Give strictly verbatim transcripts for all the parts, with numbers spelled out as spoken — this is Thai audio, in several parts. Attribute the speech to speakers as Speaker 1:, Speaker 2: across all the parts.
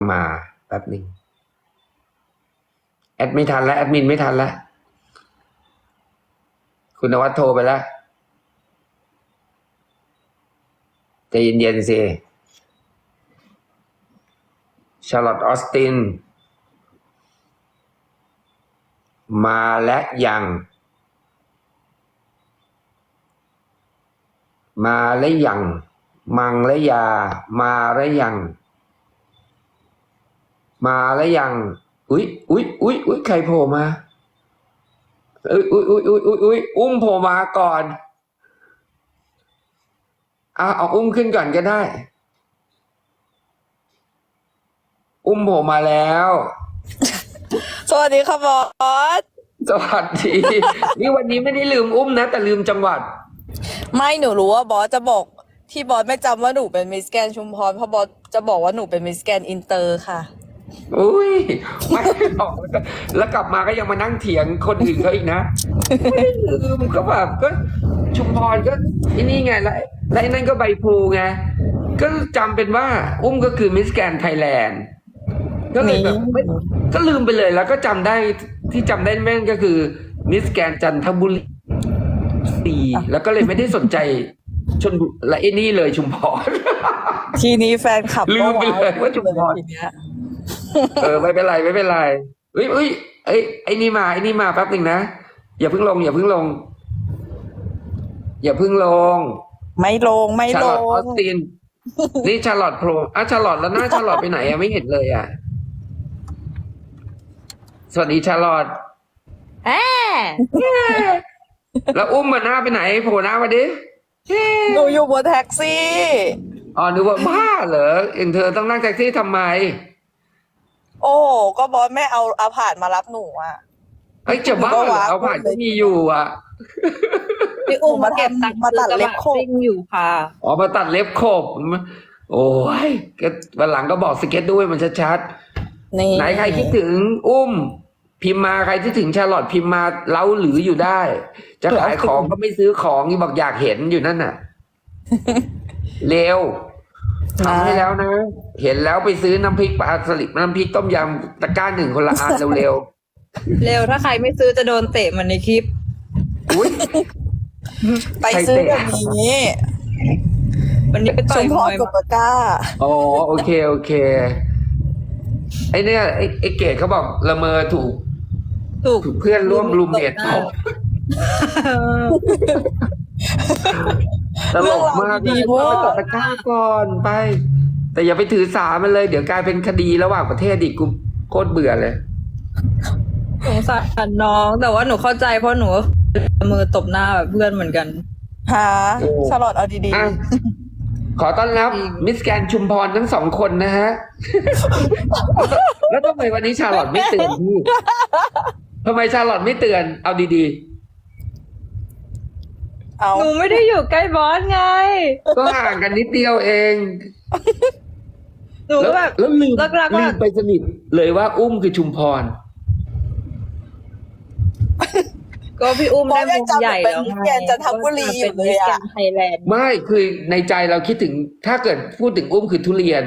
Speaker 1: มาแป๊บหนึ่งแอดไม่ทันแล้วแอดมินไม่ทันแล้วคุณนวัดโทรไปแล้วใจเย็นๆสิชาร์ลอตต์ออสตินมาและยังมาและยังมังและยามาและยังมาและยังอุ๊ยอุ๊ยอุ๊ยอุ๊ยใครโผล่มาอุ๊ยอุ๊ยอุ๊ยอุ๊ยอุ๊ยอุ๊ยอุ้มโผล่มาก่อนเอาเอาอุ้มขึ้นก่อนก็ได้อุ้มโผล่มาแล้ว
Speaker 2: สวัสดีค่ะบอส
Speaker 1: สวัสดี นี่วันนี้ไม่ได้ลืมอุ้มนะแต่ลืมจังหวัด
Speaker 2: ไม่หนูรู้ว่าบอสจะบอกที่บอสไม่จำว่าหนูเป็นมิสแกรนด์ชุมพรเพราะบอสจะบอกว่าหนูเป็นมิสแกรนด์อินเตอร์ค่ะ
Speaker 1: อุ้ยไม่บอกแล้วกลับมาก็ยังมานั่งเถียงคนอื่นเขาอีกนะไม่ลืมก็แบบก็ชุมพรก็ที่นี่ไงแล้วแล้วนั่นก็ใบพลูไงก็จำเป็นว่าอุ้มก็คือมิสแกรนด์ไทยแลนด์ก็เลยแบบไม่ก็ลืมไปเลยแล้วก็จำได้ที่จำได้แม่นก็คือมิสแกรนด์จันทบุรีแล้วก็เลยไม่ได้สนใจชนและไอ้นี่เลยชุมพร
Speaker 2: ทีนี้แฟนคลับ
Speaker 1: ลืมไปเลยว่าชุมพรเออไม่เป็นไรไม่เป็นไรเฮ้ยเฮ้ยไอ้ไอ้นี่มาไอ้นี่มาแป๊บหนึ่งนะอย่าเพิ่งลงอย่าเพิ่งลงอย่าเพิ่งลง
Speaker 2: ไม่ลงไม่ลง
Speaker 1: ชาร์ลอตต์ออสตินนี่ชาร์ลอตต์โผล่อ่ะชาร์ลอตต์แล้วหน้าชาร์ลอตต์ไปไหนอะไม่เห็นเลยอะสวัสดีชาร์ลอตต์
Speaker 2: แอ
Speaker 1: แล้วอุ้มมาหน้าไปไหนโผล่หน้ามาดิ
Speaker 2: หนูอยู่บนแท็กซี่
Speaker 1: อ๋อนึกว่าบ้าเหรอเอ็งเธอต้องนั่งแท็กซี่ทำไม
Speaker 2: โอ้ก็บอสไม่เอาอาผาดมารับหนูอ่ะ
Speaker 1: ไอ้จะบ้าเหรอเอาผ่านที่มีอยู่อ่ะ
Speaker 2: พี่อุ้มมาเก็บตังค์มาตัดเล็บโคบอยู่ค่ะ
Speaker 1: อ๋อมาตัดเล็บขบโอ้ยก็วันหลังก็บอกสเก็ตด้วยมันชัดๆไหนใครคิดถึงอุ้มพิมพ์มาใครที่ถึงชาร์ลอตต์พิมพ์มาเล้าหรืออยู่ได้จะขายของก็ไม่ซื้อของนี่บอกอยากเห็นอยู่นั่นน่ะเร็วทำให้แล้วนะเห็นแล้วไปซื้อน้ำพริกปลาสลิดน้ำพริกต้มยำตะกร้าหนึ่งคนละอันเร็วเร็ว
Speaker 3: เร็วถ้าใครไม่ซื้อจะโดนเตะเหมือนในคลิป
Speaker 1: อุ้ย
Speaker 2: ไปซื้อแบบนี้
Speaker 3: วันนี้ไปต่อยมวย
Speaker 2: กับตะกร้า
Speaker 1: อ๋อโอเคโอเคไอเนี่ยไอไอเกดเขาบอกละเมอถูก
Speaker 3: ถูก
Speaker 1: เพื่อนร่วมรูมเมทตบตลกมากดีเพราะไปกดตะกร้าก่อนไปแต่อย่าไปถือสามันเลยเดี๋ยวกลายเป็นคดีระหว่างประเทศอีกกูโคตรเบื่อเลย
Speaker 3: สงสารน้องแต่ว่าหนูเข้าใจเพราะหนูมือตบหน้าแบบเพื่อนเหมือนกัน
Speaker 2: ฮะชาร์ลอตต์เอาดี
Speaker 1: ๆขอต้อนรับมิสแกรนด์ชุมพรทั้งสองคนนะฮะแล้วทำไมวันนี้ชาร์ลอตต์ไม่เตือนพี่ทำไมชาร์ลอตต์ไม่เตือนเอาดี
Speaker 3: ๆหนูไม่ได้อยู่ใกล้บอสไง
Speaker 1: ก็ห่างกันนิดเดียวเอง
Speaker 3: หนูแบบ
Speaker 1: แล้วลืมลืมไปสนิทเลยว่าอุ้มคือชุมพร
Speaker 3: ก็พี่อุ้มได้มุมใหญ่แล้ว
Speaker 2: ไงจันทบุรีอยู่เลยอะ
Speaker 3: ไทยแลนด์
Speaker 1: ไม่คือในใจเราคิดถึงถ้าเกิดพูดถึงอุ้มคือทุเรียน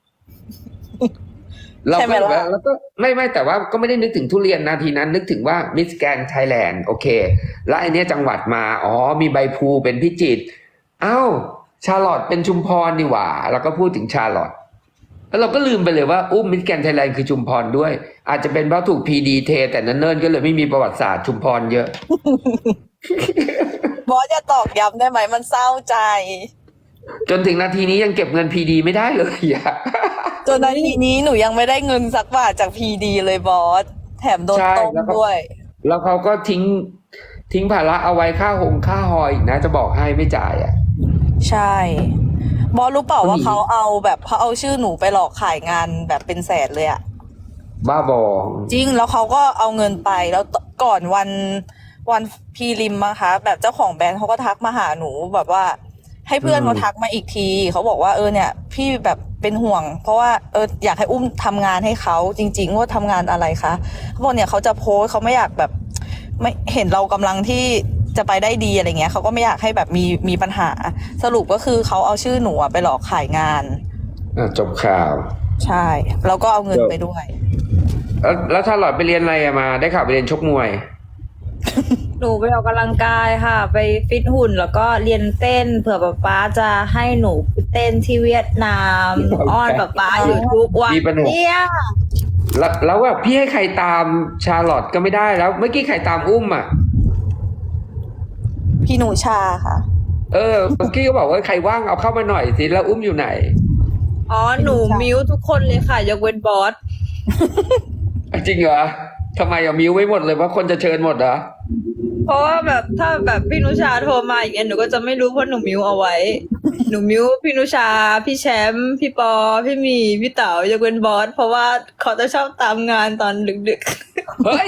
Speaker 1: เราก็แล้วก็ไม่ไม่แต่ว่าก็ไม่ได้นึกถึงทุเรียนนาทีนั้นนึกถึงว่ามิสแกรนด์ไทยแลนด์โอเคแล้วไอเนี้ยจังหวัดมาอ๋อมีใบพลูเป็นพิจิตรเอ้าชาร์ลอตต์เป็นชุมพรนี่หว่าแล้วก็พูดถึงชาร์ลอตต์แล้วเราก็ลืมไปเลยว่าอุ้มมิสแกรนด์ไทยแลนด์คือชุมพรด้วยอาจจะเป็นเพราะถูกพีดีเทแต่นั้นเนิ่นก็เลยไม่มีประวัติศาสตร์ชุมพรเยอะ
Speaker 2: บอสจะตอกย้ำได้ไหมมันเศร้าใจ
Speaker 1: จนถึงนาทีนี้ยังเก็บเงินพีดีไม่ได้เลยอ่ะ
Speaker 2: จนนาทีนี้หนูยังไม่ได้เงินสักบาทจากพีดีเลยบอสแถมโดนต้มด้วย
Speaker 1: แล้วเขาก็ทิ้งทิ้งภาระเอาไว้ค่าหงค่าหอยนะจะบอกให้ไม่จ่ายอ่ะ
Speaker 2: ใช่บอสรู้เปล่าว่าเขาเอาแบบเขาเอาชื่อหนูไปหลอกขายงานแบบเป็นแสนเลยอะ
Speaker 1: บ้าบอ
Speaker 2: จริงแล้วเขาก็เอาเงินไปแล้วก่อนวันวันพรีลิมมาคะแบบเจ้าของแบรนด์เขาก็ทักมาหาหนูแบบว่าให้เพื่อนเขาทักมาอีกทีเขาบอกว่าเออเนี่ยพี่แบบเป็นห่วงเพราะว่าเอออยากให้อุ้มทำงานให้เขาจริงๆว่าทำงานอะไรคะเขาบอกเนี่ยเขาจะโพสเขาไม่อยากแบบไม่เห็นเรากำลังที่จะไปได้ดีอะไรเงี้ยเขาก็ไม่อยากให้แบบมีมีปัญหาสรุปก็คือเขาเอาชื่อหนูไปหลอกขายงาน
Speaker 1: อ่ะจบข่าว
Speaker 2: ใช่แล้วก็เอาเงินไปด้วย
Speaker 1: แล้วแล้วชาลอตไปเรียนอะไรอะมา ได้ข่าวไปเรียนชกมวย
Speaker 3: หนูไปออกกำลังกายค่ะ ไปฟิตหุ่นแล้วก็เรียนเต้นเผื่อป๊าป๊าจะให้หนูไปเต้นที่เวียดนามหนูอ้อนป๊าป๊าอยู่ทุกวัน
Speaker 1: มีปัญหา
Speaker 3: เนี่ย
Speaker 1: แล้วแล้วแบบพี่ให้ใครตามชาลอตก็ไม่ได้แล้ว เมื่อกี้ใครตามอุ้มอ่ะ
Speaker 2: พี่หนูชาค่ะ
Speaker 1: เออ เมื่อกี้ก็บอกว่าใครว่างเอาเข้ามาหน่อยสิแล้วอุ้มอยู่ไหน
Speaker 3: อ๋อหนูมิวทุกคนเลยค่ะยกเว้นบอส
Speaker 1: จริงเหรอทำไมอะมิวไว้หมดเลยว่าคนจะเชิญหมดเหรอ
Speaker 3: เพราะว่าแบบถ้าแบบพี่นุชาโทรมาอย่างเงี้ยหนูก็จะไม่รู้เพราะหนูมิวเอาไว้ หนูมิวพี่นุชา พี่แชมป์พี่ปอ พี่หมีพี่เต๋ายกเว้นบอสเพราะว่าเขาจะชอบตามงานตอนดึก
Speaker 1: เฮ้ย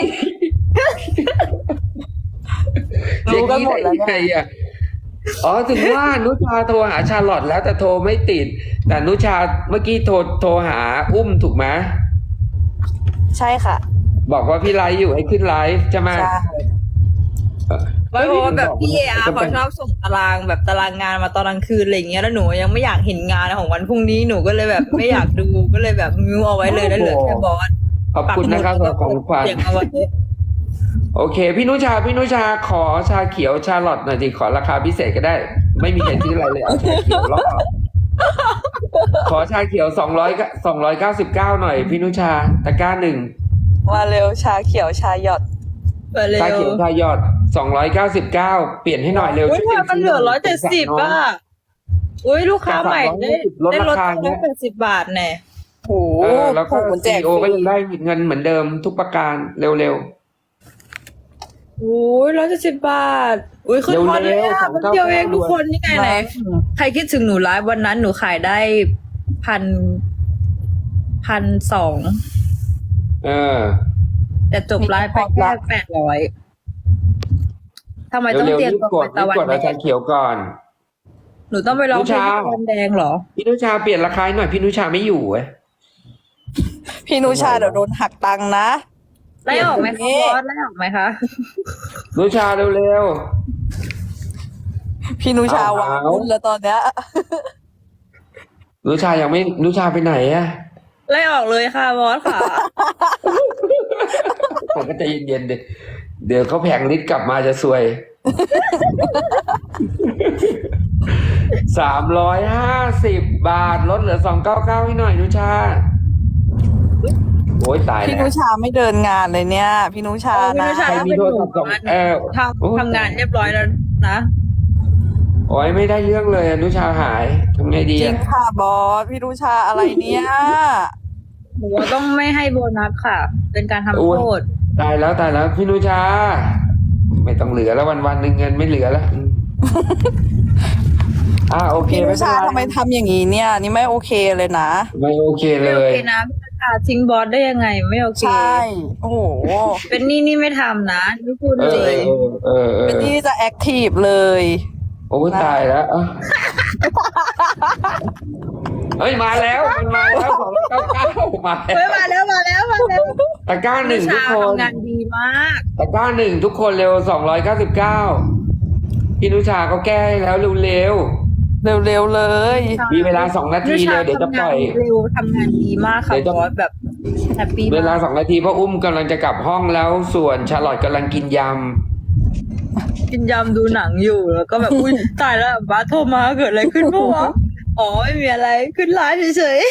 Speaker 2: รู้กันหมดแล้วเนี่ย
Speaker 1: ไงอะอ๋อถึงว่านุชาโทรหาชาลอตแล้วแต่โทรไม่ติด แต่นุชาเมื่อกี้โทรโทรหาอุ้มถูกไหม
Speaker 2: ใช่ค่ะ
Speaker 1: บอกว่าพี่ไลฟ์อยู่ให้ขึ้นไลฟ์ใช่ไหม
Speaker 2: ใช่
Speaker 3: ๆไม่เพราะว่าแบบพี่เออาร์เขาชอบส่งตารางแบบตารางงานมาตอนกลางคืนอะไรอย่างเงี้ยแล้วหนูยังไม่อยากเห็นงานของวันพรุ่งนี้หนูก็เลยแบบไม่อยากดูก็เลยแบบมิวเอาไว้เลยแล้วเหลือแค่บอส
Speaker 1: ขอบคุณนะครับสำหรับของขวัญ
Speaker 3: เสียงเอาไว้
Speaker 1: โอเค พี่นุชา พี่นุชาขอชาเขียวชาลอตหน่อยดิขอราคาพิเศษก็ได้ ไม่มีใครซื้ออะไรเลยเอาชาเขียวรอบขอชาเขียวสองร้อยสองร้อยเก้าสิบเก้าหน่อย พี่นุชาตะกร้าหนึ่ง
Speaker 2: มาเร็วชาเขียวชาหยอด
Speaker 3: ไปเร็ว
Speaker 1: ชาเขียวชายอดสองร้อยเก้าสิบเก้าเปลี่ยนให้หน่อยเร็ว
Speaker 3: อุ้ย
Speaker 1: ช่วย
Speaker 3: ทำไมมันเหลือร้อยเจ็ดสิบอ่ะอุ้ยลูกค้าใหม่ได้
Speaker 1: ลด
Speaker 3: ได้ล
Speaker 1: รา
Speaker 3: ด
Speaker 1: คา
Speaker 3: ร้อ
Speaker 1: เนี้
Speaker 3: ย
Speaker 1: ย
Speaker 3: แปดสิบบาทแน่
Speaker 2: โอ้โห
Speaker 1: เออแล้วก็
Speaker 2: โอ้โหแจ
Speaker 1: ซี
Speaker 2: ก
Speaker 1: โอ
Speaker 2: ฟ
Speaker 1: ก็
Speaker 2: รี
Speaker 1: ยังได้เงินเหมือนเดิมทุกประการเร็ว
Speaker 3: อุ้ยร้อยเจ็ดสิบบาท อุ้ยขึ้นฮอตเลยอ่ะ
Speaker 1: เร็วๆ
Speaker 3: มันเดียวเองทุกคนนี่ไงไหน
Speaker 2: นะ
Speaker 3: ใครคิดถึงหนูไลฟ์วันนั้นหนูขายได้พันพันสอง
Speaker 1: ๆเออ
Speaker 3: แต่จบไลฟ์ไปแค่แปดร้อยทำไมต้อง
Speaker 1: เร็ว
Speaker 3: เตรี
Speaker 1: ๆ
Speaker 3: ยม
Speaker 1: รีบ
Speaker 3: ตัว
Speaker 1: ก
Speaker 3: ไป
Speaker 1: ดรี
Speaker 3: ตะ
Speaker 1: บ
Speaker 3: วัน
Speaker 1: กด
Speaker 3: แด
Speaker 1: เอาชาง เขียวก่อน
Speaker 3: หนูต้องไปร้องเพลง
Speaker 1: ลูกชา
Speaker 3: ตะวันแดงเหรอ
Speaker 1: พี่นุชาเปลี่ยนราคาให้หน่อยพี่นุชาไม่อยู่เว้ย
Speaker 2: พี่หนูชาเดี๋ยวโดนหักตังค์นะ
Speaker 3: ไล่ออกไหมคะ
Speaker 2: เอ๊ะ
Speaker 3: บอสไล่ออกไหมคะ
Speaker 1: นุชาเร็ว
Speaker 2: พี่หนูชาวาง
Speaker 1: เอา
Speaker 2: หุ้นแล้วตอนเนี้ย
Speaker 1: ๆนุชายังไม่นุชาไปไหนอะ
Speaker 3: ไล่ออกเลยค่ะบอสค่ะ
Speaker 1: ผมก็ใจเย็นๆดิเดี๋ยวเขาแผงลิตรกลับมาจะซวย สามร้อยห้าสิบบาทลดเหลือสองเก้าเก้าให้หน่อยนุชา โอ้ยตาย
Speaker 2: พี่
Speaker 1: แล้
Speaker 2: หนู
Speaker 1: ว
Speaker 2: ชาไม่เดินงานเลยเนี่ย พี่หนูชา
Speaker 3: เออพี่
Speaker 2: นะ
Speaker 3: หนูชา
Speaker 1: ใครมีโทรศัพท์ส่งเออ
Speaker 3: ทำทำงานเรียบร้อยแล้วนะ
Speaker 1: โอ้ยไม่ได้เรื่องเลยอะนุชาหายทำไงดี
Speaker 2: จริ
Speaker 1: อะ
Speaker 2: งค่ะบอสพี่หนูชาอะไรเนี่ย
Speaker 3: หนูว่าต้องไม่ให้โบนัสค่ะ เป็นการทำโทษ
Speaker 1: ตายแล้วตายแล้วพี่นุชา ไม่ต้องเหลือแล้ววันวันๆหนึ่งเงินไม่เหลือแล้วอืม อ่าโอเค
Speaker 2: พี่หนู
Speaker 1: ไม่เป็น
Speaker 2: ชา
Speaker 1: ไร
Speaker 2: ทำไมทำอย่างนี้เนี่ย นี่ไม่โอเคเลยนะ
Speaker 1: ไม่โอเคเล
Speaker 3: ไม่โอย เคนะพี่ตาทิ้งบอสได้ยังไงไม่โอเค
Speaker 2: ใช่ โอ้โห
Speaker 3: เป็นนี่นี่ไม่ทำนะนี่พูด
Speaker 1: เอ
Speaker 3: จ
Speaker 1: อ
Speaker 3: ริง
Speaker 1: เออเออ
Speaker 2: เป็น
Speaker 1: เอ
Speaker 2: ที่
Speaker 1: อ
Speaker 2: จะแอคทีฟเลย
Speaker 1: โอ้ยตายแล้วอ่ะเฮ้ยมาแล้วมันมาแล้วสองเก้าเก้ามา
Speaker 3: เฮ้ย
Speaker 1: แล้ว
Speaker 3: มาแล้วมาแล้วมาแล้ว
Speaker 1: ตะกร้าหนึ่งทุก
Speaker 3: ชา
Speaker 1: คน
Speaker 3: ทำงานดีมาก
Speaker 1: ตะกร้าหนึ่งทุกคนเร็วสองร้อยเก้าสิบเก้าพี่นุชาเขาแก้ให้แล้วเร็ว
Speaker 2: เร็วๆเลย
Speaker 1: ๆมีเวลาสองนาทีเร็วเดี๋ยวจะปล่อย
Speaker 3: เร็วทำงานดีมากค่ะ
Speaker 1: เดี๋ยวจะ
Speaker 3: บอสแบบแฮปปี้
Speaker 1: เวลาม
Speaker 3: าก
Speaker 1: สองนาทีเพราะอุ้มกำลังจะกลับห้องแล้วส่วนชาลอตกำลังกินย
Speaker 3: กินยำดูหนังอยู่แล้วก็แบบอุ้ยตายแล้วบาสโทรมาเกิดอะไรขึ้นปะวะอ๋อไม่มีอะไรขึ้นไลฟ์เฉย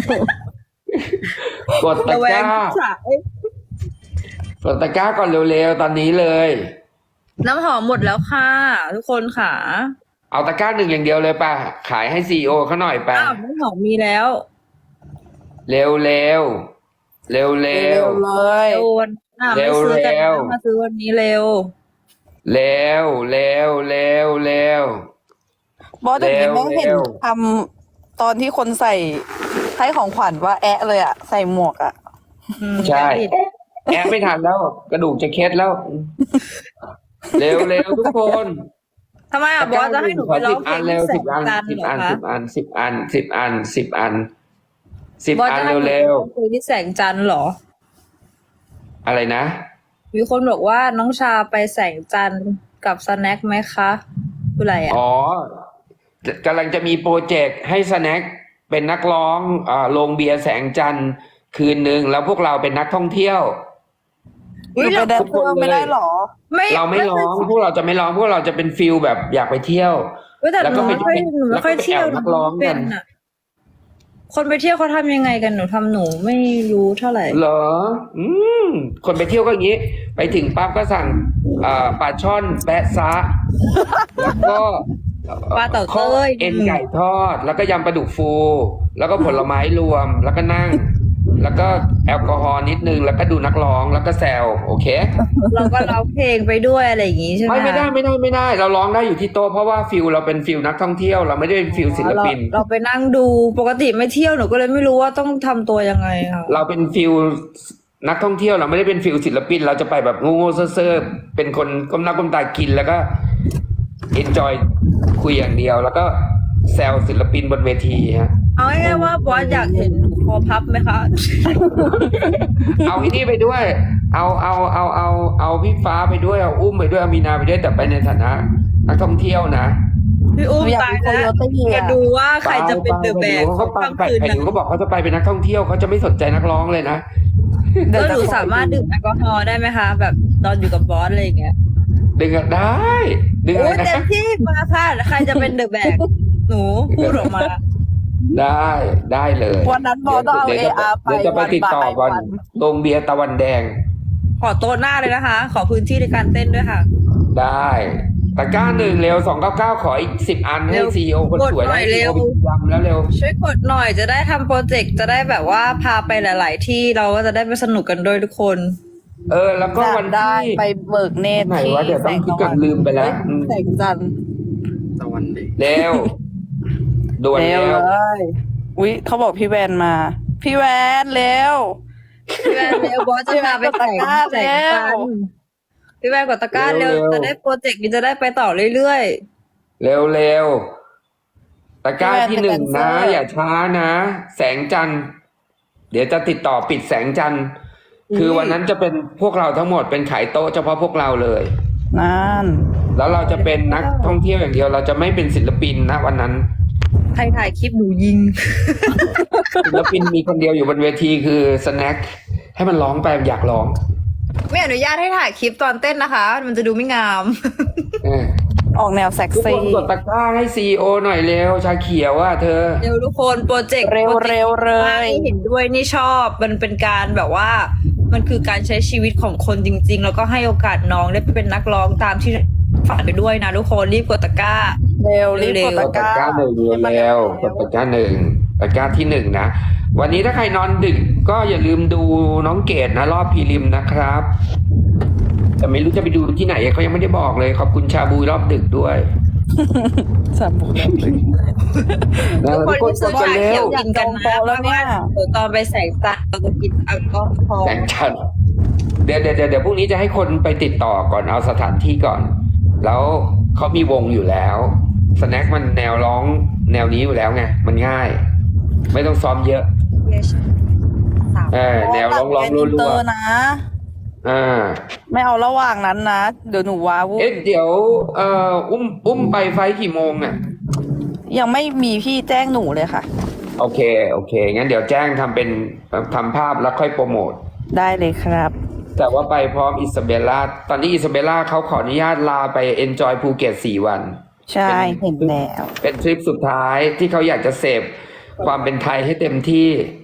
Speaker 1: ำกด
Speaker 3: ๆ
Speaker 1: ตะ
Speaker 3: ระแว
Speaker 1: ก
Speaker 3: ง
Speaker 1: ร้า
Speaker 3: สาย
Speaker 1: กดตะกร้าก่อนเร็วๆตอนนี้เลย
Speaker 3: น้ำหอมหมดแล้วค่ะ ทุกคนค่ะ
Speaker 1: เอาตะกร้าหนึ่งอย่างเดียวเลยป่ะขายให้ซีโอเขาหน่อยป่ะ
Speaker 3: อ้าวน้ำหอมมีแล้ว
Speaker 1: เร็วๆเร็วเร็วเร็ว
Speaker 2: ๆเลย
Speaker 3: โอนน่ะ
Speaker 1: เร็
Speaker 3: ไม่
Speaker 1: ว
Speaker 3: ซื้อกัน
Speaker 1: เร็ว
Speaker 3: นะมาซื้อวันนี้เร็ว
Speaker 1: เร็วเร็วเร็วเร็ว
Speaker 2: บอสเดี๋ยวนี้
Speaker 1: เร็ว
Speaker 2: แม่เห็น
Speaker 1: เร็ว
Speaker 2: ทำตอนที่คนใส่ให้ของขวัญว่าแอะเลยอะใส่หมวกอะ
Speaker 3: อืม
Speaker 1: ใช่แอบไม่ทันแล้ว กระดูกจะเคล็ดแล้ว เร็วเร็วทุกคน
Speaker 3: ทำไมอ่ะบอสจะให้หนูไปร้องเพล
Speaker 1: อั
Speaker 3: ง
Speaker 1: นเร็ว
Speaker 3: ที่แส
Speaker 1: สิบ
Speaker 3: ง
Speaker 1: อัน
Speaker 3: จันทร์
Speaker 1: สิบ
Speaker 3: เหรอ
Speaker 1: อัน
Speaker 3: คะ
Speaker 1: สิบอันสิบอันสิบอันสิบอันสิบบ
Speaker 3: อส
Speaker 1: อัน
Speaker 3: จะให้หนูไป
Speaker 1: เร็ว
Speaker 3: ร้องเพลงที่แสงจันทร์เหรอ
Speaker 1: ๆอะไรนะ
Speaker 3: มีคนบอกว่าน้องชาไปแสงจันทร์กับสแน็คไหมคะคืออะไรอ่ะ
Speaker 1: อ๋อกำลังจะมีโปรเจกต์ให้สแน็คเป็นนักร้องเอ่อโรงเบียร์แสงจันทร์คืนหนึ่งแล้วพวกเราเป็นนักท่องเที่ยว
Speaker 2: หนูไปแดนเซอร์ไม่ได้หรอ
Speaker 3: ไม่
Speaker 1: เราไม่ร้องพวกเราจะไม่ร้องพวกเราจะเป็นฟิลแบบอยากไปเที่ยว
Speaker 3: เว้ยแต่
Speaker 1: แล้ว
Speaker 3: ห
Speaker 1: ก็
Speaker 3: นู
Speaker 1: ไป
Speaker 3: ไม่ค่อยหนูไม่ค่อย
Speaker 1: แล้วก็ไป
Speaker 3: เที่ยว
Speaker 1: แอบนักร้อง
Speaker 3: เป็
Speaker 1: กัน
Speaker 3: นอะคนไปเที่ยวเขาทำยังไงกันหนูทำหนูไม่รู้เท่าไหร่
Speaker 1: เหรอ อืม คนไปเที่ยวก็อย่างนี้ ไปถึงปั๊บก็สั่งอ่าปลาช่อนแปะซะ แล้วก็
Speaker 3: ปลาเต่าเต้ย
Speaker 1: ข้อเอ็นไก่ทอด แล้วก็ยำปลาดุกฟู แล้วก็ผลไม้รวม แล้วก็นั่ง แล้วก็แอลกอฮอล์นิดนึง แล้วก็ดูนักร้อง แล้วก็แซว โอเค
Speaker 3: เราก็ร้องเพลงไปด้วยอะไรอย่างงี้ใช่ไหม
Speaker 1: ไม่ไม่ได้ไม่ได้ไม่ได้ เราร้องได้อยู่ที่โต๊ะเพราะว่าฟิลเราเป็นฟิลนักท่องเที่ยว เราไม่ได้เป็นฟิลศิลปิน
Speaker 3: เราเราไปนั่งดูปกติไม่เที่ยวหนูก็เลยไม่รู้ว่าต้องทำตัวยังไงค่ะ
Speaker 1: เราเป็นฟิลนักท่องเที่ยวเราไม่ได้เป็นฟิลศิลปิน เราจะไปแบบโง่ๆเซ่อๆเป็นคนก้มหน้าก้มตากินแล้วก็เอนจอยคุยอย่างเดียว แล้วก็แซวศิลปินบนเวทีฮะ
Speaker 3: เอาง่ายๆว่าบอสอยากเห็นหนูคอพับไหมคะ
Speaker 1: เอาไอ้นี่ไปด้วย เอาเอาเอาเอาเอาพี่ฟ้าไปด้วยเอาอุ้มไปด้วยเอามีนาไปด้วยแต่ไปในฐานะนักท่องเที่ยวนะ
Speaker 3: พี่อุ้ม
Speaker 2: หนูอยาก
Speaker 3: ตาย
Speaker 2: เป็น
Speaker 3: แล้ว
Speaker 2: Coyote อะ
Speaker 3: จะดูว่าใครจะเป็นเดอะแบก
Speaker 1: เขาไป
Speaker 3: ค่ำ
Speaker 1: ไป
Speaker 3: คืน
Speaker 1: ไป
Speaker 3: นะ
Speaker 1: ดูเขาบอกเขาจะไปเป็นนักท่องเที่ยวเขาจะไม่สนใจนักร้องเลยนะ
Speaker 3: ก็หนูสามารถดื่มแอลกอฮอล์ได้ไหมคะ แบบตอนอยู่กับบอสอะไรอย่างเงี้ย
Speaker 1: ดึงอะได้ดึง
Speaker 3: โอ้
Speaker 1: อะไร
Speaker 3: ยเต็
Speaker 1: นะ
Speaker 3: มที่มาค่ะใครจะเป็นเดอะแบกหนูพูดออกมา
Speaker 1: ได้ได้เลย
Speaker 2: วันนั้นบอสต้องเอา
Speaker 1: ดี๋ยวจะ
Speaker 2: เออาร์ไป
Speaker 1: เดี๋ยวจะไปติดต่อก่อน
Speaker 2: วัน
Speaker 1: โรงเบียร์ตะวันแดง
Speaker 3: ขอโต๊ะหน้าเลยนะคะ ขอพื้นที่ในการเต้นด้วยค่ะ
Speaker 1: ได้ตะกร้าหนึ่งเร็วสองเก้าเก้าขออีกสิบอันให้
Speaker 3: เร็ว
Speaker 1: ซีโอคนสวย
Speaker 3: กดหน่
Speaker 1: ได้
Speaker 3: อย
Speaker 1: ซี
Speaker 3: เร็
Speaker 1: โอ
Speaker 3: ว
Speaker 1: ไปยำแล้วเร็ว
Speaker 3: ช่วยกดหน่อยจะได้ทำโปรเจกต์จะได้แบบว่าพาไปหลาย ๆ ที่เราก็จะได้ไปสนุกกันด้วยทุกคน
Speaker 1: เออ แล้วก็
Speaker 2: จั
Speaker 1: วั
Speaker 2: ด
Speaker 1: น
Speaker 2: ได้
Speaker 1: ที่
Speaker 2: ไปเบิกเนตร
Speaker 1: ไหน
Speaker 2: ที่
Speaker 1: วะเดี๋ยว
Speaker 2: แส
Speaker 1: ต้อง
Speaker 2: ง
Speaker 1: คิด
Speaker 2: ตะ
Speaker 1: ก่
Speaker 2: วั
Speaker 1: อน นลืมไปแล้วอืม
Speaker 2: แสงจันทร์
Speaker 4: ตะวันเด็ก
Speaker 1: เร็วด่วน
Speaker 2: เร็ว
Speaker 1: เร็ว
Speaker 2: เลยอุ๊ยเขาบอกพี่แวนมา พี่แวนเร็ว
Speaker 3: พี่แวนเร็วบอสจะพาไปแต่ง
Speaker 2: พี่แวนกดตะกร้า
Speaker 3: แต่ง
Speaker 2: เร็
Speaker 3: กั
Speaker 2: ว
Speaker 3: นพี่แวนกดตะกร้าเร็วจะได้โปรเจกต์นี้จะได้ไปต่อเรื่อย
Speaker 1: เร็วเร็วตะกร้า
Speaker 2: พี่
Speaker 1: ที่
Speaker 2: แวน
Speaker 1: หนึ่ง
Speaker 2: เป็น
Speaker 1: นะ
Speaker 2: แดนเซอร์
Speaker 1: อย่าช้านะ แสงจันทร์เดี๋ยวจะติดต่อปิดแสงจันทร์คือวันนั้นจะเป็นพวกเราทั้งหมดเป็นขายโต๊ะเฉพาะพวกเราเลย
Speaker 2: นั่น
Speaker 1: แล้วเราจะเป็นนักท่องเที่ยวอย่างเดียว เราจะไม่เป็นศิลปินนะวันนั้น
Speaker 3: ๆ ใครถ่ายคลิปหนูยิง
Speaker 1: ศิลปินมีคนเดียวอยู่บนเวทีคือสแน็คให้มันร้องไปอยากร้อง
Speaker 3: ไม่อนุญาตให้ถ่ายคลิปตอนเต้นนะคะ มันจะดูไม่งาม
Speaker 1: เออ
Speaker 2: ออกแนวเซ็ก
Speaker 1: ทุกค
Speaker 2: ซี่
Speaker 1: นกดตะกร้าให้ซีโอหน่อยเร็ว ชาเขียวว่าเธอ
Speaker 3: เร็วทุกคนโปรเจกต์
Speaker 2: เร็ว
Speaker 3: โปจกต์
Speaker 2: เร็วเลย
Speaker 3: ที่เห็นด้วยนี่ชอบมันเป็นการแบบว่า มันคือการใช้ชีวิตของคนจริง ๆ แล้วก็ให้โอกาสน้องได้เป็นนักร้องตามที่ฝันไปด้วยนะทุกคนรีบกดตะกร้า
Speaker 2: เร็วรีบ
Speaker 3: เร็
Speaker 2: ก
Speaker 3: ว
Speaker 2: ด
Speaker 1: ก
Speaker 2: ตะ
Speaker 1: ด
Speaker 2: ก
Speaker 1: ตะ
Speaker 2: ร้าก
Speaker 1: ร้าหนึ่งเร็วกดตะกร้าหนึ่งตะกร้าที่หนึ่งนะ วันนี้ถ้าใครนอนดึกก็อย่าลืมดูน้องเกดนะรอบพรีริมนะครับ แต่ไม่รู้จะไปดูที่ไหนเขายังไม่ได้บอกเลย ขอบคุณชาบูรอบดึกด้วย
Speaker 2: สามบุก
Speaker 1: นะ
Speaker 3: ทุกคน
Speaker 1: ทุกคน
Speaker 3: ที่
Speaker 1: ก
Speaker 3: ซื้อ
Speaker 1: ดกันเร็ว
Speaker 3: ชาเขียวกินกันนะ
Speaker 2: แล้วเนี่ย
Speaker 3: เดี๋ยวตอนไปแสงจันทร์เราจะกินแอลกอฮอล์
Speaker 1: แสงจันทร์เดี๋ยวเดี๋ยวเดี๋ยวเดี๋ยวพรุ่งนี้จะให้คนไปติดต่อก่อนเอาสถานที่ก่อน แล้วเขามีวงอยู่แล้วสแน็คมันแนวร้องแนวนี้อยู่แล้วไงมันง่าย ไม่ต้องซ้อมเยอะ
Speaker 3: สาม
Speaker 1: เออแนวร้องร้อง
Speaker 2: รั
Speaker 1: รั
Speaker 2: ว
Speaker 1: ว
Speaker 2: ๆนะ
Speaker 1: ๆอ่า
Speaker 2: ไม่เอาระหว่างนั้นนะ เดี๋ยวหนูว้าวุ่น
Speaker 1: เอ๊ะเดี๋ยวเอ่ออุ้มอุ้มไปไฟล์กี่โมงอ่ะ
Speaker 2: ยังไม่มีพี่แจ้งหนูเลยค่ะ
Speaker 1: โอเคโอเคงั้นเดี๋ยวแจ้งทำเป็นทำภาพแล้วค่อยโปรโมท
Speaker 2: ได้เลยครับ
Speaker 1: แต่ว่าไปพร้อมอิซาเบลล่าตอนนี้อิซาเบลล่าเขาขออนุญาตลาไปเอนจอยภูเก็ตสี่วัน
Speaker 2: ใช่เห็นแล้ว
Speaker 1: เป็นทริปสุดท้ายที่เขาอยากจะเสพความเป็นไทยให้เต็มที่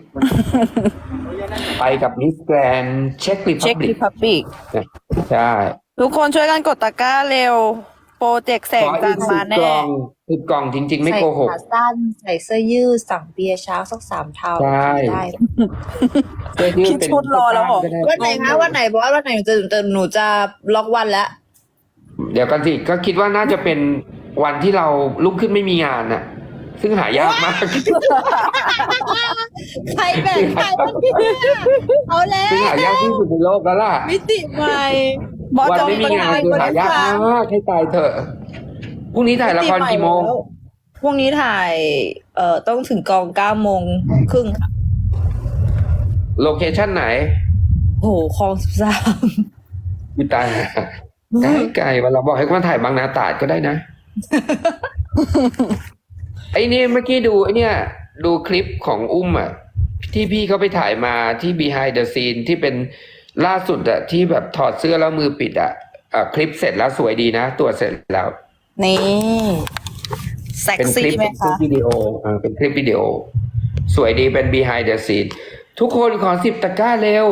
Speaker 1: ไปกับมิสแกรนเช็คริพั
Speaker 2: เช็ค
Speaker 1: บลิ
Speaker 2: รี
Speaker 1: ก
Speaker 2: พับบิก
Speaker 1: ใช่
Speaker 2: ทุกคนช่วยกันกดตะกร้าเร็ว โปรเจกต์แสง
Speaker 1: ขอ
Speaker 2: จั
Speaker 1: อี
Speaker 2: น
Speaker 1: ก
Speaker 2: ทร์
Speaker 1: สิ
Speaker 2: มา
Speaker 1: บ
Speaker 2: แน่
Speaker 1: กล่องสิบกล่องจริง ๆ ไม่โกหก
Speaker 3: ใส่ขาสั้นใส่เสื้อยืดสั่งเบียร์เช้าสักสามเท่า
Speaker 1: ใช่
Speaker 3: ได้
Speaker 1: เสื้อยืด
Speaker 2: พี่
Speaker 1: เป็น
Speaker 2: ชุดรอแล้วเหรอ
Speaker 1: ก็ได้
Speaker 3: วันไหนคะวันไหนบอสวันไหนหนูจะจะหนูจะล็อกวันแล้ว
Speaker 1: เดี๋ยวกันสิก็คิดว่าน่าจะเป็นวันที่เราลุกขึ้นไม่มีงานน่ะ ซึ่งหายากมาก
Speaker 3: ใครแบ่งใครวันนี้เอาแล้ว
Speaker 1: ซึ่งหายากที่สุดในโลกแล้วล่ะ
Speaker 3: มิติใหม่
Speaker 2: บอส
Speaker 1: วัน
Speaker 2: จอง
Speaker 1: ไม่มี
Speaker 2: เป็น
Speaker 1: งาน
Speaker 2: ไง
Speaker 1: คือหายากมากให้ตายเถอะพรุ่งนี้ถ่ายละครกี่โมง
Speaker 3: พรุ่งนี้ถ่าย เอ่อต้องถึงกองเก้าโมงครึ่งค่ะ
Speaker 1: โลเคชั่นไหน
Speaker 3: โหคลองสิบสาม
Speaker 1: อุยตายไกลไกลวันเราบอกให้มาถ่ายบางนาตราดก็ได้นะ ไอ้นี่เมื่อกี้ดูไอ้เนี่ยดูคลิปของอุ้มอ่ะ ที่พี่เขาไปถ่ายมาที่ behind the scene ที่เป็นล่าสุดอ่ะที่แบบถอดเสื้อแล้วมือปิดอ่ะอ่ะคลิปเสร็จแล้วสวยดีนะตัวจเสร็จแล้ว
Speaker 2: นี่เซ็ก
Speaker 1: เป็นคลิ
Speaker 2: ซี่
Speaker 1: ป
Speaker 2: ไหม
Speaker 1: เป็นคลิ
Speaker 2: คะ
Speaker 1: ปวิดีโออ่าเป็นคลิปวิดีโอ สวยดีเป็น behind the scene ทุกคนขอสิบตะกร้าเร็ว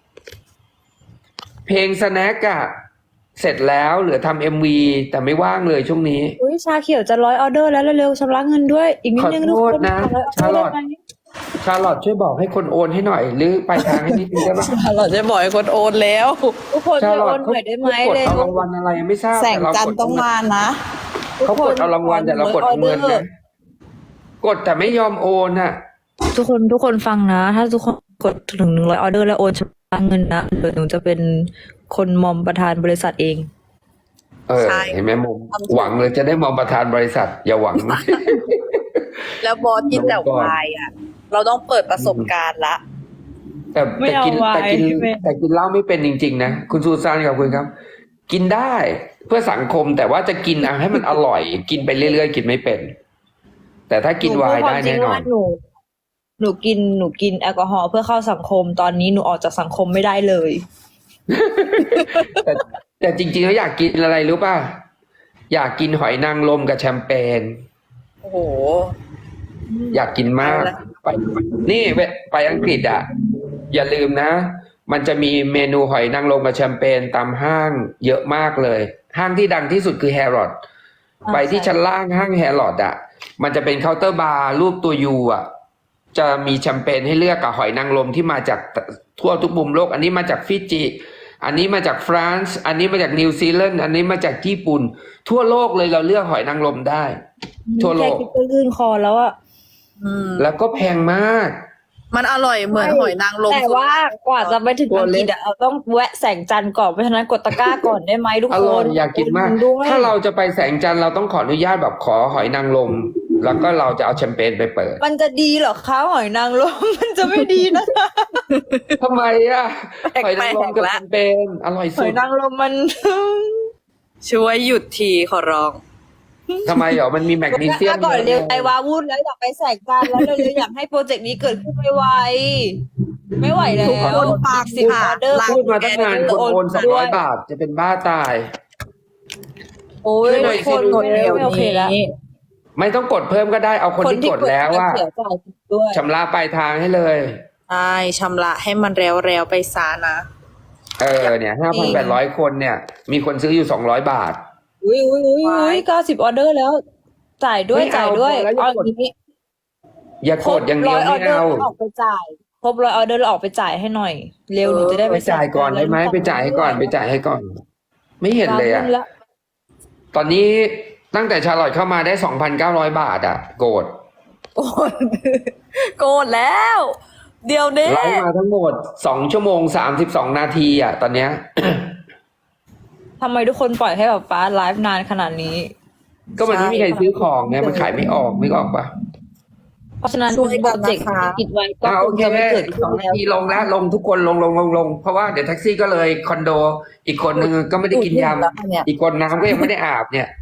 Speaker 1: เพลงสแน็คอะเสร็จแล้วเหลือทำเอ็มวีแต่ไม่ว่างเลยช่วงนี้
Speaker 3: อุ้ยชาเขียวจะร้อยออเดอร์แล้วเร็วๆชำระเงินด้วย อีกนิดนึง
Speaker 1: ขอ
Speaker 3: ทุก
Speaker 1: โท
Speaker 3: ค
Speaker 1: ษ
Speaker 3: น
Speaker 1: นะ
Speaker 3: ขอ
Speaker 1: ชาลอต
Speaker 3: ได้ไหม
Speaker 1: ชาลอตช่วยบอกให้คนโอนให้หน่อย หรือไปลายทางให้นิดนึงได้ปะ
Speaker 2: เราจะบอกให้คนโอนแล้ว
Speaker 3: ทุกคน
Speaker 1: ชา
Speaker 3: ช่วย
Speaker 1: ลอ
Speaker 3: โอ
Speaker 1: ต
Speaker 3: นห
Speaker 1: เขา
Speaker 3: น่อยได้ไหม
Speaker 1: กด
Speaker 3: เร็
Speaker 1: เอา
Speaker 3: ว
Speaker 1: รางวัลอะไรไม่ทราบ
Speaker 2: แสง
Speaker 1: แต่เรา
Speaker 2: จันท
Speaker 1: ก
Speaker 2: ร์
Speaker 1: ด
Speaker 2: ต้องมานะ
Speaker 1: เขากดเอารางวัลแต่เรากดเอาเงินนะ กดแต่ไม่ยอมโอนอ่ะ
Speaker 3: ทุกคนทุกคนฟังนะ ถ้าทุกคนกดถึงหนึ่งร้อยออเดอร์แล้วโอนชำระเงินนะเดี๋ยวหนูจะเป็นคนมอมประธานบริษัทเอง
Speaker 1: เออ
Speaker 2: ใช่
Speaker 1: เห็นไหมมุม
Speaker 2: ทำถูก
Speaker 1: หวังเลยจะได้มองประธานบริษัท อย่าหวัง
Speaker 2: แล้วบอสกินแต่
Speaker 1: ลงก่อน
Speaker 2: วายอ่ะ เราต้องเปิดประสบการณ์ละ
Speaker 1: แต่
Speaker 3: ไม่
Speaker 1: แต่
Speaker 3: เอา
Speaker 1: กิน
Speaker 3: ไว้
Speaker 1: แต่กิน
Speaker 3: ไม่
Speaker 1: แต่กินเหล้าไม่เป็นจริง ๆ นะ คุณซูซานกับคุณครับ กินได้เพื่อสังคมแต่ว่าจะกินอ่ะให้มันอร่อย กินไปเรื่อยๆ กินไม่เป็น แต่ถ้ากินไวน์ได้แน่นอน
Speaker 3: หนูหนูกินหนูกินแอลกอฮอล์เพื่อเข้าสังคม ตอนนี้หนูออกจากสังคมไม่ได้เลย
Speaker 1: แต่แต่จริงๆแล้วอยากกินอะไรรู้ป่ะ อยากกินหอยนางรมกับแชมเปญ
Speaker 2: โอ้โห
Speaker 1: อยากกินมาก ไปนี่ไปไปอังกฤษอ่ะ อย่าลืมนะ มันจะมีเมนูหอยนางรมกับแชมเปญตามห้างเยอะมากเลย ห้างที่ดังที่สุดคือแฮร์รอด
Speaker 3: อ่า
Speaker 1: ไปที่
Speaker 3: ใช่
Speaker 1: ชั้นล่างห้างแฮร์รอดอ่ะ มันจะเป็นเคาน์เตอร์บาร์รูปตัวยูอ่ะ จะมีแชมเปญให้เลือกกับหอยนางรมที่มาจากทั่วทุกมุมโลก อันนี้มาจากฟิจิ อันนี้มาจากฝรั่งอันนี้มาจากนิวซีแลนด์ อันนี้มาจากญี่ปุ่น ทั่วโลกเลยเราเลือกหอยนางรมได้ ทั่วโล
Speaker 3: แค่
Speaker 1: ก
Speaker 3: คิดก็ลื่นคอแล้วอะ
Speaker 2: อืม
Speaker 1: แล้วก็แพงมาก
Speaker 2: มันอร่อยเหมือนหอยนางรม
Speaker 3: แต่ว่ากว่าจะไปถึง
Speaker 1: ตัว
Speaker 3: อัง
Speaker 1: เล็
Speaker 3: ก
Speaker 1: ก
Speaker 3: ฤษอะเราต้องแวะแสงจันทร์ก่อนเพราะฉะนั้นกดตะกร้าก่อนได้ไหมทุก
Speaker 1: อ
Speaker 3: ค
Speaker 1: ร่อย
Speaker 3: น
Speaker 1: อยากกินมาก
Speaker 3: ด้วย
Speaker 1: ถ้าเราจะไปแสงจันทร์เราต้องขออนุญาตแบบขอหอยนางรม แล้วก็เราจะเอาแชมเปญไปเปิด
Speaker 3: มันจะดีเหรอคะหอยนางรม มันจะไม่ดีนะคะ
Speaker 1: ทำไมอ่ะ
Speaker 2: แปลกๆ
Speaker 1: หอยนางรมกับ
Speaker 2: ละ
Speaker 1: แชมเปญอร่อย
Speaker 3: ห
Speaker 1: สุ
Speaker 3: อย
Speaker 1: ด
Speaker 3: นางรมมัน
Speaker 2: ช่วยหยุดทีขอร้อง
Speaker 1: ทำไมเหรอมันมีแมกนีเซียม
Speaker 3: ก่อนเร็ว
Speaker 1: ยะ
Speaker 3: ใจวาวุ่นแล้วอยากไปแสงจันทร์แล้วเร็วๆอยากให้โปรเจกต์นี้เกิดขึ้นไวๆไม่ไหวแล้ว
Speaker 2: ทุกคนฟัง
Speaker 3: สิบ
Speaker 2: ค่ะ
Speaker 3: ออเดอร์
Speaker 2: รัก
Speaker 1: พูดมาตั้งนานคนโอนสองร้อยบาทจะเป็นบ้าตาย
Speaker 3: โอ้ย
Speaker 1: ช่วยหน่อยสิ
Speaker 3: คน
Speaker 2: กดเดี๋ยว
Speaker 3: ไม่โอเคแล้ว
Speaker 2: นี้
Speaker 1: ไม่ต้องกดเพิ่มก็ได้เอาคนที่กดแล้วว่า
Speaker 3: เสียจ่ายด้วย
Speaker 1: ชำระปลายทางให้เลย
Speaker 2: ใช่ชำระให้มันแล้วแล้วๆไปซานะ
Speaker 1: เออเนี่ยห้าพันแปดร้อยคนเนี่ย มีคนซื้ออยู่สองร้อยบาท
Speaker 3: อุ้ยอุ้ยอุ้ยอุ้ยเก้าสิบออเดอร์แล้ว จ่ายด้วย
Speaker 1: ไม่เอา
Speaker 3: จ่ายด้วย
Speaker 1: พอแล้วอย่ากด
Speaker 3: เอย่างนี้
Speaker 1: อย่ากดอย่างเดียว
Speaker 3: ครบร้อ
Speaker 1: ไม่
Speaker 3: ออเดอร์
Speaker 1: เอา
Speaker 3: แล้วออกไปจ่ายครบร้อยออเดอร์แล้วออกไปจ่ายให้หน่อย เร็วหนูจะได้
Speaker 1: ไปจ่ายก่อนได้ไหมไปจ่ายให้ก่อนไปจ่ายให้ก่อน ไม่เห็นเลยอ่ะ
Speaker 3: แล้ว
Speaker 1: ตอนนี้ตั้งแต่ชาลอตเข้ามาได้สองพันเก้าร้อยบาทอ่ะ โกรธ
Speaker 2: โกรธโกรธแล้ว เดี๋ยวนี้
Speaker 1: ไลฟ์มาทั้งหมดสองชั่วโมงสามสิบสองนาทีอ่ะ ตอนเนี้ย
Speaker 3: ทำไมทุกคนปล่อยให้แบบป้าไลฟ์นานขนาดนี้
Speaker 1: ก็มันไม่มีใครซื้อของไงมันขายไม่ออกนึกออกปะ
Speaker 3: เพราะฉะนั้น
Speaker 2: ช่วย
Speaker 3: โป
Speaker 2: กั
Speaker 3: ร
Speaker 2: น
Speaker 3: เจ
Speaker 2: นะ
Speaker 3: กต์
Speaker 2: คะ
Speaker 3: ที่คิดไว้ก็
Speaker 1: อ่า
Speaker 3: ค
Speaker 1: โอง เค
Speaker 3: จะไม่เกิด
Speaker 1: ส
Speaker 3: ขึ้
Speaker 1: อน ง
Speaker 3: แล้
Speaker 1: นาว ทีลงแล้วลงทุกคนลงลงลงลงเพราะว่าเดี๋ยวแท็กซี่ก็เลยคอนโด อีกคนนึงก็ไม่ได้กินย
Speaker 2: แล้วเนี่ย
Speaker 1: ำอีกคนน้ำก็ยังไม่ได้อาบเนี่ย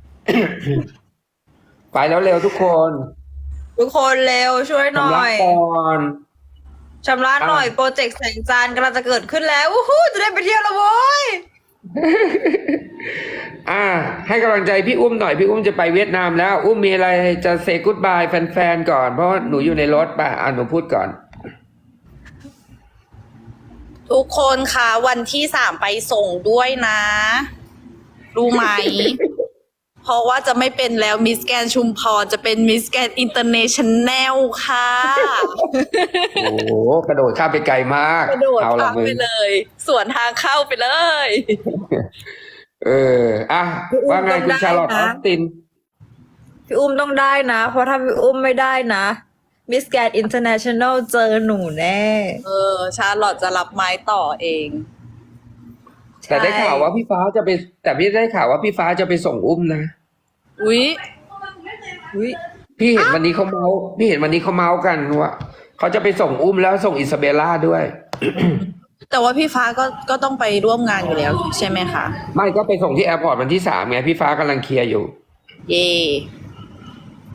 Speaker 1: ไปแล้วเร็วทุกคน
Speaker 3: ทุกคนเร็วช่วยหน่
Speaker 1: ชำ
Speaker 3: อ
Speaker 1: ระ
Speaker 3: ย
Speaker 1: ก่อน
Speaker 3: ชำระหน่อย
Speaker 1: อ่ะ
Speaker 3: โปรเจกต์แสงจันทร์กำลังจะเกิดขึ้นแล้วอู้หูจะได้ไปเที่ยวแล้วโว้ย
Speaker 1: อ่า ให้กำลังใจพี่อุ้มหน่อยพี่อุ้มจะไปเวียดนามแล้ว อุ้มมีอะไรจะเซกูดบายแฟนๆก่อนเพราะว่าหนูอยู่ในรถป่ะอ่าหนูพูดก่อน
Speaker 2: ทุกคนคะวันที่สามไปส่งด้วยนะ รู้ไหม เพราะว่าจะไม่เป็นแล้วมิสแกนชุมพรจะเป็นมิสแกนอินเตอร์เนชั่นแนลค่ะ
Speaker 1: โอ้โหกระโดดข้ามไปไกลมาก
Speaker 2: กระโดด
Speaker 1: เอาละ
Speaker 2: ข้าม
Speaker 1: มึง
Speaker 2: ไปเลย สวนทางเข้าไปเลย
Speaker 1: เอออ่ะ
Speaker 3: พี่อุ้ม
Speaker 1: ว่าไง
Speaker 3: ต้อง
Speaker 1: คุณ
Speaker 3: ได้
Speaker 1: ชาลอตอ
Speaker 3: นะ
Speaker 1: อสติน
Speaker 3: พี่อุ้มต้องได้นะ เพราะถ้าพี่อุ้มไม่ได้นะมิสแกนอินเตอร์เนชั่นแนลเจอหนูแน่
Speaker 2: เออ ชาร์ลอตจะรับไม้ต่อเอง
Speaker 1: แต่ได้ข่าวว่าพี่ฟ้าจะไป แต่พี่ได้ข่าวว่าพี่ฟ้าจะไปส่งอุ้มนะ
Speaker 2: อุ๊ย
Speaker 3: อุ้ย
Speaker 1: พี่เห็นวันนี้เขาเมาส์พี่เห็นวันนี้เขาเมาส์กันว่าเขาจะไปส่งอุ้มแล้วส่งอิซาเบลล่าด้วย
Speaker 2: แต่ว่าพี่ฟ้าก็ก็ต้องไปร่วมงานอยู่แล้วใช่ไหมคะ
Speaker 1: ไม่ก็ไปส่งที่แอร์พอร์ตวันที่สามไงพี่ฟ้ากำลังเคลียร์อยู่
Speaker 2: เย่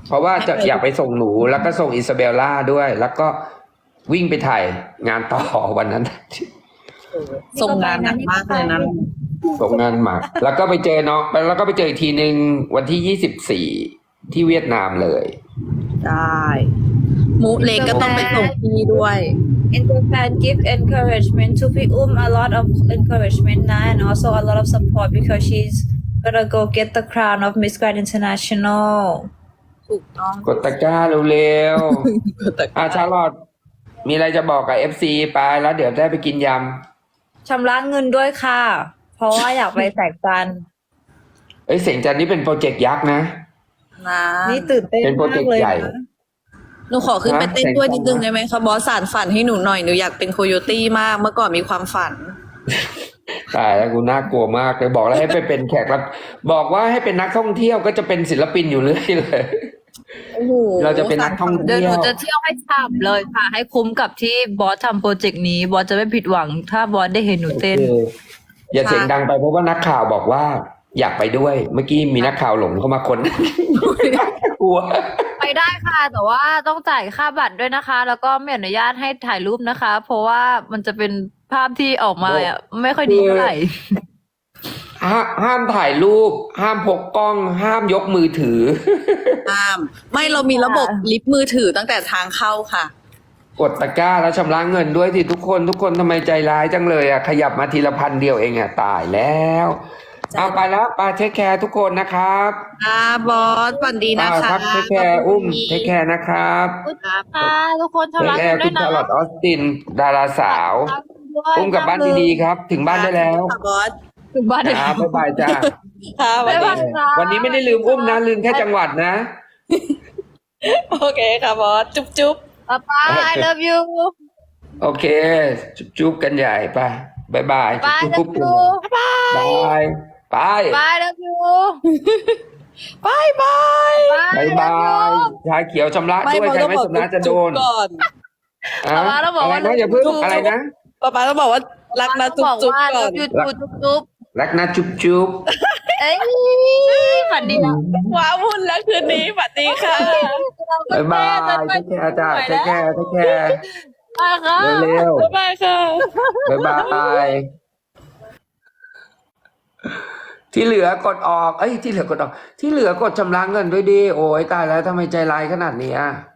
Speaker 1: เพราะว่าจะอยากไปส่งหนูแล้วก็ส่งอิซาเบลล่าด้วย แล้วก็วิ่งไปถ่ายงานต่อวันนั้น
Speaker 2: ส่งงานหนักมากเลยนะ
Speaker 1: ส่งงานหมักแล้วก็ไปเจอน้องแล้วก็ไปเจออีกทีหนึ่งวันที่ยี่สิบสี่ที่เวียดนามเลย
Speaker 2: ได้มุเล็กก็ต้องไปส่งพี่ด้วย
Speaker 3: In Japan give encouragement to Pi Um a lot of encouragement นะ and also a lot of support because she's gonna go get the crown of Miss Grand International
Speaker 2: ถูกต้อง
Speaker 1: กดตะกร้าเร็ว
Speaker 2: กดตะก
Speaker 1: ๆอา
Speaker 2: ร้า
Speaker 1: ชาลอดมีอะไรจะบอกกับเอฟซีไปแล้วเดี๋ยวได้ไปกินย
Speaker 3: ชำระเงินด้วยค่ะ เพราะว่าอยากไปแสกจันทร์
Speaker 1: ำเอ้ยเสียงจันนี่เป็นโปรเจกต์ยักษ์นะ
Speaker 2: นะ
Speaker 3: นี่ตื่นเต้น
Speaker 1: เป็นโปร
Speaker 3: มา
Speaker 1: เจก
Speaker 3: ก
Speaker 1: ต์
Speaker 3: เลย
Speaker 1: ใหญ่
Speaker 3: นะ
Speaker 2: หนูขอขึ้นไปเต้น
Speaker 1: นะ
Speaker 2: ด้วยนิดนึงได้ไหมคะบอสสานฝันให้หนูหน่อยหนูอยากเป็นโคโยตี้มากเมื่อก่อนมีความฝัน
Speaker 1: ตายแล้วกูน่ากลัวมากเลยบอกแล้วให้ไปเป็นแขกรับบอกว่าให้เป็นนักท่องเที่ยวก็จะเป็นศิลปินอยู่เรื่อยเลย
Speaker 2: โอ้โห
Speaker 1: เราจะเป็นนักท่อง
Speaker 3: เดี๋
Speaker 1: เที่
Speaker 3: ยวหนู
Speaker 1: ยว
Speaker 3: จะเที่ยวให้ฉ่ำเลยค่ะ ให้คุ้มกับที่บอสทำโปรเจกต์นี้ บอสจะไม่ผิดหวัง ถ้าบอสได้เห็นหนูเต้น
Speaker 1: โอเคอย่าเสียงดังไปเพราะว่านักข่าวบอกว่าอยากไปด้วย เมื่อกี้มีนักข่าวหลงเข้ามาคน กลัว
Speaker 3: ไปได้ค่ะ แต่ว่าต้องจ่ายค่าบัตรด้วยนะคะ แล้วก็ไม่อนุญาตให้ถ่ายรูปนะคะ เพราะว่ามันจะเป็นภาพที่ออกมาอ่ะไม่ค่อยดีเท่าไหร่
Speaker 1: ห้าห้ามถ่ายรูป ห้ามพกกล้อง ห้ามยกมือถือ
Speaker 2: ห้ามไม่เรามีระบบลิฟต์มือถือตั้งแต่ทางเข้าค่ะ
Speaker 1: กดตะกร้าแล้วชำระเงินด้วยที่ทุกคนทุกคนทำไมใจร้ายจังเลยอ่ะขยับมาทีละพันเดียวเองอ่ะตายแล้วเอาไปแล้วไปเทคแคร์ทุกคนนะครับ
Speaker 2: อ่าบอสฝันดีนะ
Speaker 1: อ่า
Speaker 2: คะ
Speaker 1: ครับเทคแคร์อุ้มเทคแคร์นะครับ
Speaker 3: ค่ะทุกคน
Speaker 1: เทค
Speaker 3: ชำระ
Speaker 1: แค
Speaker 3: เงิน
Speaker 1: ร์
Speaker 3: ด้
Speaker 1: คุ
Speaker 3: วย
Speaker 1: ณ
Speaker 3: นะ
Speaker 1: ชาร์ลอตออสติน ดาราสาว อุ้มกลับบ้านดีๆครับ ถึงบ้านได้แล้ว
Speaker 2: ค่ะบอส
Speaker 3: ถึงบ้านได้
Speaker 1: ครับบ๊ายบายจ้า
Speaker 2: ค่ะสวัส
Speaker 3: บ๊าย
Speaker 2: ดี
Speaker 3: บายค่ะ
Speaker 1: วันนี้ไม่ได้ลืมอุ้มนะลืมแค่จังหวัดนะ
Speaker 2: โอเคค่ะบอสจุ๊บจุ๊บ
Speaker 3: ป๊าป๊า I love you
Speaker 1: โอเค จุ๊บๆกันใหญ่ไปบายบาย
Speaker 3: Bye
Speaker 1: จุ๊บ
Speaker 3: love you
Speaker 1: ๆบายบาย
Speaker 3: Bye love you
Speaker 2: บายบาย
Speaker 1: บายบายชาเขียวชำระด้วยใครไม่ชำระจะโดน
Speaker 2: ก่อน
Speaker 1: อะ
Speaker 3: ป๊าต้องบอก
Speaker 1: อะไร
Speaker 3: ว่า
Speaker 1: นะอย่าเพิ่งอะไรนะ
Speaker 2: ป๊าป๊าต้องบอกว่ารักนะจุ๊บ
Speaker 3: บอก
Speaker 2: จุ๊บ
Speaker 3: ว่า
Speaker 2: ก่อน
Speaker 3: love you จุ๊บจุ๊บ
Speaker 1: รักนะจุ๊บจุ๊บ
Speaker 3: เอ้ยฝันดีนะ
Speaker 2: ว้าวุ่นแล้วคืนนี้สวัสดีค่ะ
Speaker 1: บายบายเทคแคร์จ้าเทคแคร์เทคแคร์
Speaker 3: บายค่ะ
Speaker 1: เร็ว
Speaker 2: บ๊ายบายค่ะ
Speaker 1: ๆบายบายที่เหลือกดออก เอ้ยที่เหลือกดออก ที่เหลือกดชำระเงินด้วยดิโอ้ยตายแล้วทำไมใจร้ายขนาดนี้อ่ะ